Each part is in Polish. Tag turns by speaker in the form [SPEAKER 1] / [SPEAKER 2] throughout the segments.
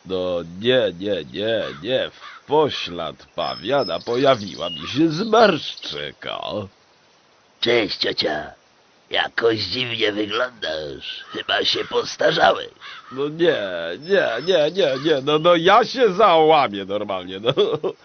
[SPEAKER 1] No nie, w poślad pawiana pojawiła mi się zmarszczyka.
[SPEAKER 2] Cześć, ciocia. Jakoś dziwnie wyglądasz. Chyba się postarzałeś.
[SPEAKER 1] No nie, no ja się załamię normalnie, no.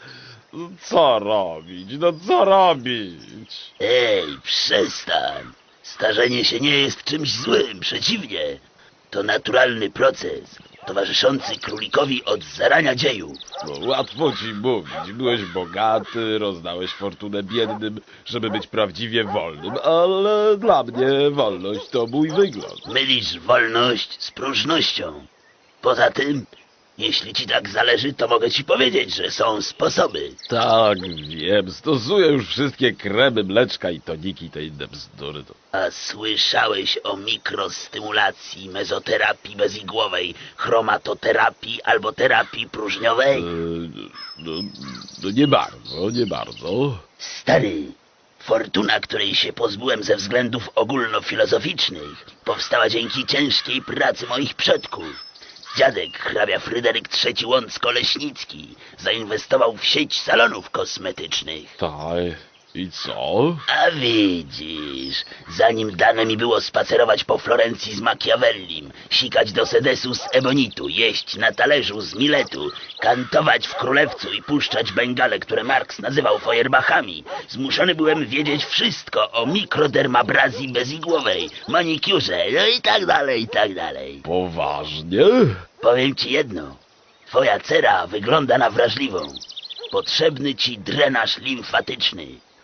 [SPEAKER 1] Co robić, no co robić?
[SPEAKER 2] Ej, przestań. Starzenie się nie jest czymś złym, przeciwnie. To naturalny proces, towarzyszący królikowi od zarania dziejów.
[SPEAKER 1] No łatwo ci mówić, byłeś bogaty, rozdałeś fortunę biednym, żeby być prawdziwie wolnym, ale dla mnie wolność to mój wygląd.
[SPEAKER 2] Mylisz wolność z próżnością. Poza tym, jeśli ci tak zależy, to mogę ci powiedzieć, że są sposoby.
[SPEAKER 1] Tak, wiem, stosuję już wszystkie kremy, mleczka i toniki i te inne bzdury. To...
[SPEAKER 2] A słyszałeś o mikrostymulacji, mezoterapii bezigłowej, chromatoterapii albo terapii próżniowej?
[SPEAKER 1] No, no nie bardzo.
[SPEAKER 2] Stary, fortuna, której się pozbyłem ze względów ogólnofilozoficznych, powstała dzięki ciężkiej pracy moich przodków. Dziadek, hrabia Fryderyk III Łącko-Leśnicki, zainwestował w sieć salonów kosmetycznych.
[SPEAKER 1] Tak, i co?
[SPEAKER 2] A widzisz, zanim dane mi było spacerować po Florencji z Machiavellim, sikać do sedesu z ebonitu, jeść na talerzu z miletu, kantować w Królewcu i puszczać bengale, które Marx nazywał feuerbachami, zmuszony byłem wiedzieć wszystko o mikrodermabrazji bezigłowej, manikiurze, no i tak dalej, i tak dalej.
[SPEAKER 1] Poważnie?
[SPEAKER 2] Powiem ci jedno, twoja cera wygląda na wrażliwą. Potrzebny ci drenaż limfatyczny.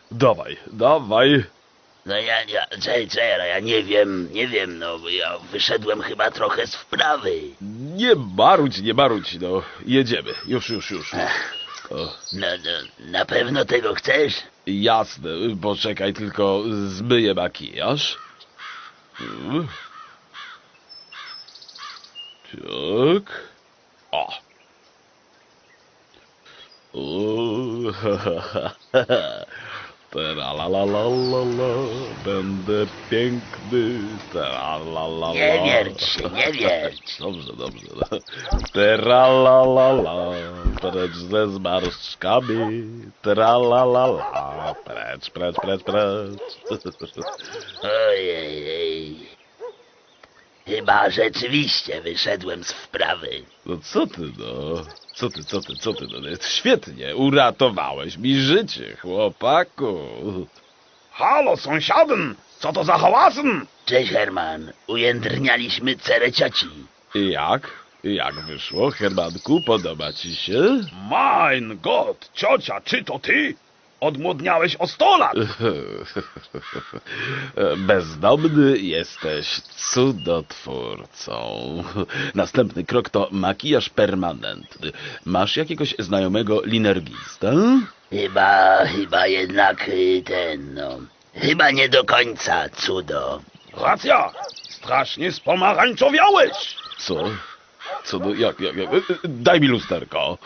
[SPEAKER 1] Dawaj.
[SPEAKER 2] No ja nie wiem, no ja wyszedłem chyba trochę z wprawy.
[SPEAKER 1] Nie marudź, no. Jedziemy, już. O,
[SPEAKER 2] No, na pewno tego chcesz?
[SPEAKER 1] jasne, poczekaj, tylko zmyję makijaż. Tak. O. Tralalalala, będę piękny. Tralalala.
[SPEAKER 2] Nie wierć się, nie wierć.
[SPEAKER 1] Dobrze. No. Tralalala, precz ze zmarszczkami. Tralalala, precz.
[SPEAKER 2] Ojej. Chyba rzeczywiście wyszedłem z wprawy.
[SPEAKER 1] No co ty, no? Co ty, no? Świetnie, uratowałeś mi życie, chłopaku.
[SPEAKER 3] Halo, sąsiadem! Co to za hałasem?
[SPEAKER 2] Cześć, Herman. Ujędrnialiśmy cerę cioci.
[SPEAKER 1] I jak? Jak wyszło, Hermanku? Podoba ci się?
[SPEAKER 3] Mein Gott, ciocia, czy to ty? Odmłodniałeś o 100 lat!
[SPEAKER 1] Bezdomny jesteś cudotwórcą. Następny krok to makijaż permanentny. Masz jakiegoś znajomego linergistę?
[SPEAKER 2] Chyba jednak chyba nie do końca, cudo.
[SPEAKER 3] Racja! Strasznie spomarańczowiałeś!
[SPEAKER 1] Co? No jak? Daj mi lusterko.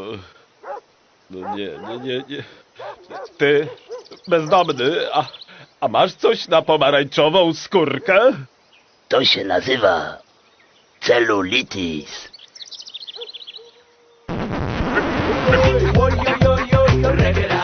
[SPEAKER 1] No nie. Ty, bezdomny, a masz coś na pomarańczową skórkę?
[SPEAKER 2] To się nazywa celulitis.
[SPEAKER 4] Oy, oy, oy, oy, reggae